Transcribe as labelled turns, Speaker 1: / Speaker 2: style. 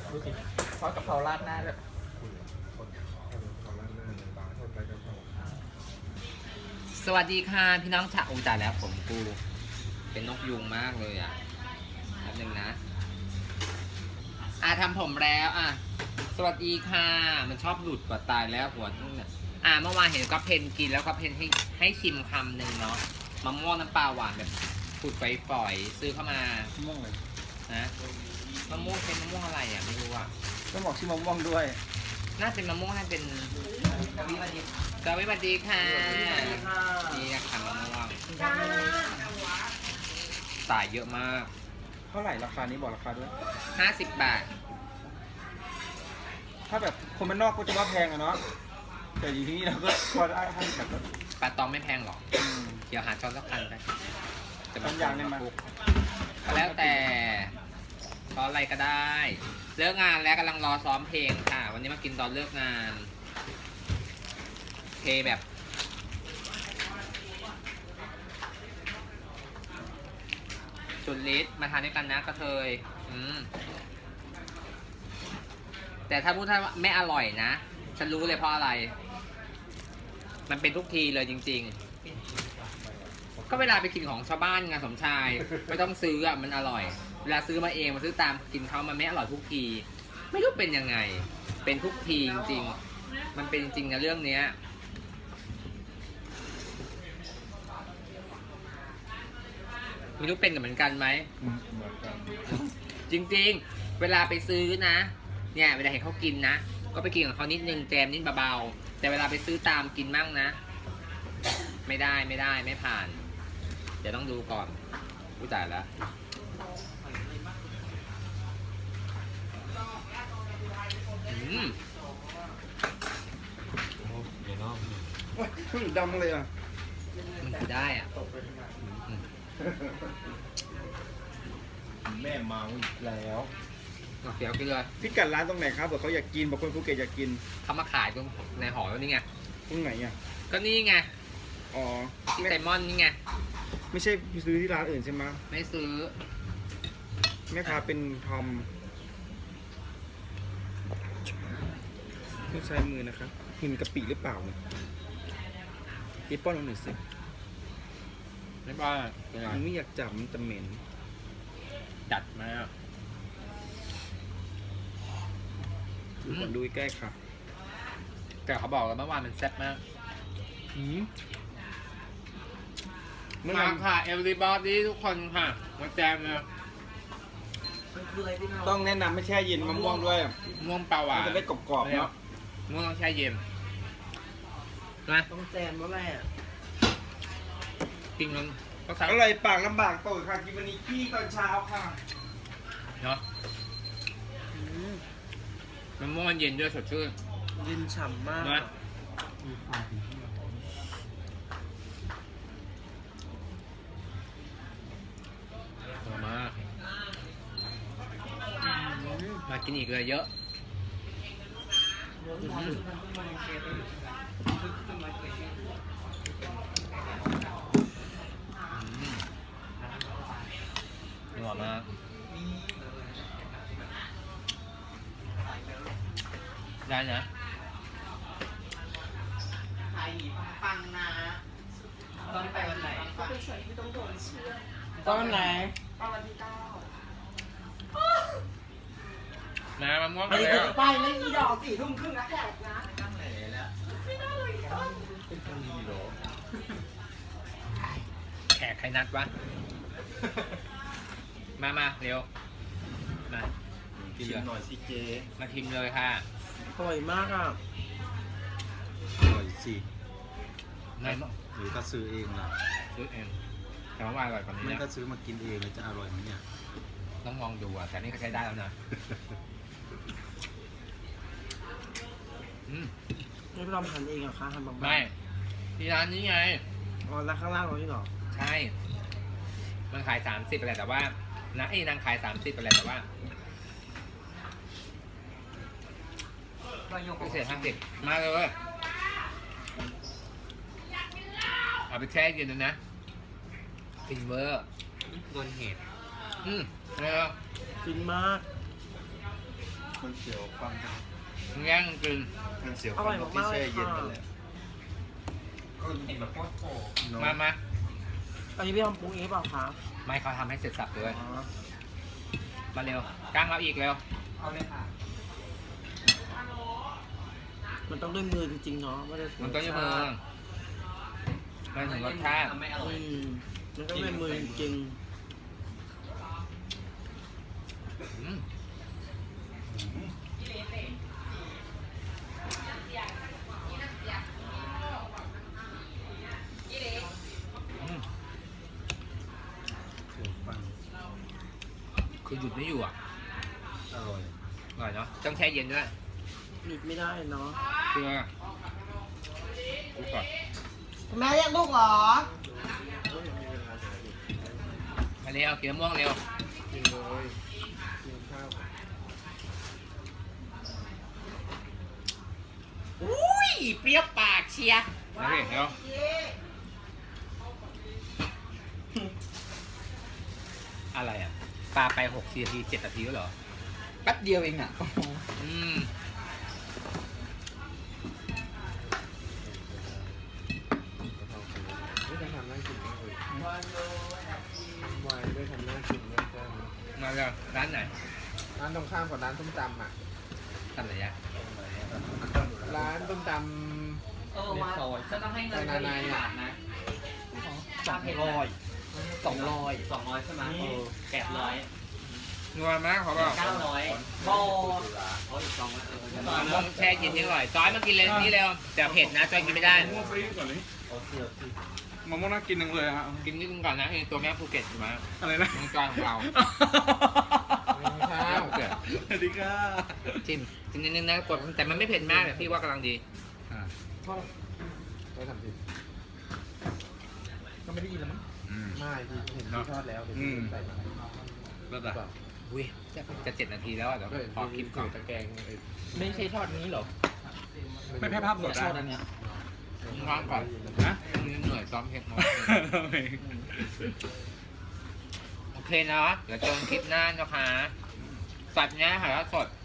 Speaker 1: ดูสิทอดกะเพราราดหน้าแบบสวัสดีค่ะพี่น้องชาวจ่ายแล้วผมกูเป็นนกยุงมากเลยอ่ะแป๊บนึงนะทำผมแล้วสวัสดีค่ะมันชอบหลุดกว่าตายแล้วหัวเนี่ยเมื่อวานเห็นก็เพนกินแล้วก็เพนให้ชิมคำหนึ่งเนาะมะม่วงน้ำปลาหวานแบบขูดฝอยๆซื้อเข้ามามะม่วงเลยนะมะม่วงเป็นมะม่วงอะไรไม่รู้อ่ะ
Speaker 2: ต้องบอกชื่อมะม่วงด้วย
Speaker 1: น่าเป็นมะม่วงน่าเป็นกะวิบันดีกะวิบันดีค่ะนี่ค่ะมะม่วงสายเยอะมาก
Speaker 2: เท่าไหร่ราคานี้บอกราคาด้วย
Speaker 1: 50 บาท
Speaker 2: ถ้าแบบคนมันนอกก็จะว่าแพงอะเนาะแต่อยู่ที่นี่เราก็พอได้ให้แบบ
Speaker 1: ปลาตองไม่แพงหรอกเดี๋ยวหาช้อนสักคันไป
Speaker 2: จะบางอย่างเนี่ยมา
Speaker 1: แล้วแต่ช้อนอะไรก็ได้เลิกงานแล้วกำลังรอซ้อมเพลงค่ะวันนี้มากินตอนเลิกงานเพลงแบบจุดลิศมาทานด้วยกันนะกระเทยแต่ถ้าพูดว่าไม่อร่อยนะฉันรู้เลยเพราะอะไรมันเป็นทุกทีเลยจริงๆก็เวลาไปกินของชาวบ้านงานสมชายไม่ต้องซื้อมันอร่อยเวลาซื้อมาเองมาซื้อตามกินเขามันไม่อร่อยทุกทีไม่รู้เป็นยังไงเป็นทุกทีจริงๆมันเป็นจริงนะเรื่องเนี้ยไม่รู้เป็นกับเหมือนกันไหมจริงๆเวลาไปซื้อนะเนี่ยเวลาเห็นเขากินนะก็ไปกินกับเขานิดนึงแจมนิดเบาๆแต่เวลาไปซื้อตามกินมั่งนะไม่ได้ไม่ผ่านเดี๋ยวต้องดูก่อนผู้จ่ายแล้ว
Speaker 2: มันดำเลย
Speaker 1: มันคือได้
Speaker 2: แม่เมาแล้ว
Speaker 1: เดี๋ยวกินเลย
Speaker 2: พี่กัดร้านตรงไหนครับบอกเขาอยากกินบอกคนภูเก็ตอยากกิน
Speaker 1: เขามาขายตรงในหอแล้วนี่ไง
Speaker 2: ตรงไหน
Speaker 1: ก็นี่ไง
Speaker 2: อ๋อ
Speaker 1: ที่ไซมอนนี่ไง
Speaker 2: ไม่ใช่ซื้อที่ร้านอื่นใช่ไหม
Speaker 1: ไม่ซื้อ
Speaker 2: แม่ค้าเป็นทอมต้องใช้มือนะครับหินกะปิหรือเปล่าพี่ป้อนลงหน่อยสิ
Speaker 1: ไม่ป้อน
Speaker 2: มันไม่อยากจับมันจะเหม็น
Speaker 1: จัดมาก
Speaker 2: ดูใกล้ค่ะ
Speaker 1: แต่เขาบอกแล้วเมื่อวานมันแซ่บมากมาค่ะเอลลีบอดี้ทุกคนค่ะมาแจมเลย
Speaker 2: ต้องแนะนำไม่แช่เย็นมะม่วงด้วย
Speaker 1: ม่วงเปล่าหวาน
Speaker 2: จะได้กรอบๆเนาะ
Speaker 1: ม่วงต้องแช่เย็นนะ
Speaker 2: ต้องแจมแล้วแหละ
Speaker 1: กินมันก็
Speaker 2: อร่อยปากลำบากโตค่ะกินวันนี้ขี้ตอนเช้าค่ะ
Speaker 1: เนาะมันม่วงมันเย็นด้วยสดชื่น
Speaker 2: เย็นฉ่ำมาก
Speaker 1: นะมากินอีกเลยเยอะหอมมากได้นะ
Speaker 3: ขายหนีปังนะต้องไปวันไหนก็ไปช่วยที่ต้องโดนเชื่อ
Speaker 2: ตอนไหน
Speaker 3: วันที่9
Speaker 1: นะมะม่วง
Speaker 3: ไปเลยไปเลยอีดอก4 ทุ่มครึ่งนะแขกนะไม่ได้เลย
Speaker 2: เป็นคนดีหรอ
Speaker 1: แขกใครนัดวะมาเร็วมา
Speaker 2: ชิมหน่อยสิเจ
Speaker 1: มาชิมเลยค่ะ
Speaker 2: อร่อยมากอร่อยสิ
Speaker 1: ไม่
Speaker 2: หรือก็ซื้อเองล่ะ
Speaker 1: ซื้อเองแต่ว่าอร่อยกว่านี้
Speaker 2: ไม่ก็ซื้อมากินเองจะอร่อยไหมเนี่ย
Speaker 1: ต้องลองดูแต่นี่ก็ใช้ได้แล้วนะ
Speaker 2: ไม่ไปลองทานเองเหรอคะทำบาง
Speaker 1: ไม่ที่ร้านนี้ไง
Speaker 2: อ๋อร้านข้างล่างเราที่หรอ
Speaker 1: ใช่มันขาย30อะไรแต่ว่านางขาย30อะไรแต่ว่าพิเศษ50มาเลยเอาไปแช่เย็นนะฟินเวอร์โดนเหตุ
Speaker 2: ฟินมากมันเสียวฟันครับ
Speaker 1: แย่งกิน
Speaker 2: มันเสียวฟันตรงที่แช่เย็นนั่นแหละก็
Speaker 3: เห็นแบบโคตรโผล่
Speaker 1: มา
Speaker 4: อันนี้พี่ทำปรุงเองหรือเปล่าคะ
Speaker 1: ไม่เขาทำให้เสร็จสับเลย
Speaker 4: อ๋อ
Speaker 1: มาเร็วก้างเราอีกเร็ว
Speaker 3: เอาเลยค่ะ
Speaker 4: มันต้องด้วยมือจริงๆเนาะไม่ได้
Speaker 1: มันต้องอยืมมือมันถึงรสชาติ
Speaker 3: ไม่อร่อย
Speaker 4: มันต้องด้วยมือจริง
Speaker 1: อืมอืม
Speaker 2: เสียวฟัน
Speaker 1: คือหยุดไม่อยู่อ่ะ
Speaker 2: อร่อย
Speaker 1: อร่อยเนาะต้องแช่เย็นด้วย
Speaker 4: ๆหยุดไม่ได้เนาะ
Speaker 1: เกลือดูก่อน
Speaker 4: แม่เรียกลูกเหรอ
Speaker 1: มาเร็วเกลือม่วงเร็ว
Speaker 2: กินเลยกินข้าว
Speaker 1: อุ้ยเปรี้ยวปากเชียร์มาเร็วอะไรอ่ะปลาไป6 นาที7 นาทีแล้วเหรอ
Speaker 3: แป๊บเดียวเองอ่ะ
Speaker 1: อืม
Speaker 2: ไม่ได้ทำน่ากินมากเลยวายได้ทำน่ากินมากจ้า
Speaker 1: มาเลยร้านไหน
Speaker 2: ร้านตรงข้ามกับร้านส้มตำอ่ะ
Speaker 1: ทำอะไรยะ
Speaker 2: ร้านส้มต
Speaker 3: ว่าจะต้องให้เงินเขาอีกบาทนะ 200ใช่ไหม800
Speaker 1: นัวมากเขาบอก
Speaker 3: 900โบเขาอีก200
Speaker 1: ต้องแช่เย็นทิ้งอร่อยจอยมากินเลยนี่เร็วแต่เผ็ดนะจอยกินไม่ได้
Speaker 2: ำมะม่วงฟรีก่อนเลย
Speaker 3: โอเค
Speaker 2: มะม่วงน่ากินจังเลยอ่ะ
Speaker 1: กินนิดนึงก่อนนะไอ้ตัวแม่ภูเก็ตอยู่มา
Speaker 2: อะไรนะ
Speaker 1: น้องจอยของเรา
Speaker 2: ข้าว
Speaker 1: เกิด
Speaker 2: สวัสดีค่ะ
Speaker 1: จิ้มกินนิดนึงนะกดแต่มันไม่เผ็ดมากแต่พี่ว่ากำลังดี
Speaker 2: ได้ทำผิด
Speaker 3: ก็ไม่ได้ยินแล้วมั้ง
Speaker 2: ไม่พี่เห็นพี่ทอดแล้วเดี๋ยวพี่ใส่มา
Speaker 1: แล้วแต่อุ้ยจะ7 นาทีแล้วอ่ะเดี๋ยวพอคลิปก่อน
Speaker 2: ตะแกรงไอ้
Speaker 3: ไม่ใช่ทอดนี้หรอ
Speaker 2: ไม่แพ้ภาพสด
Speaker 3: ทอดอันเนี้ย
Speaker 1: ว่างก่อน
Speaker 2: นะ
Speaker 1: เหนื่อยซ้อมเผ็ดน้อยโอเคนะเดี๋ยวเจอกันคลิปหน้านะคะสัตว์เนี้ยหาสด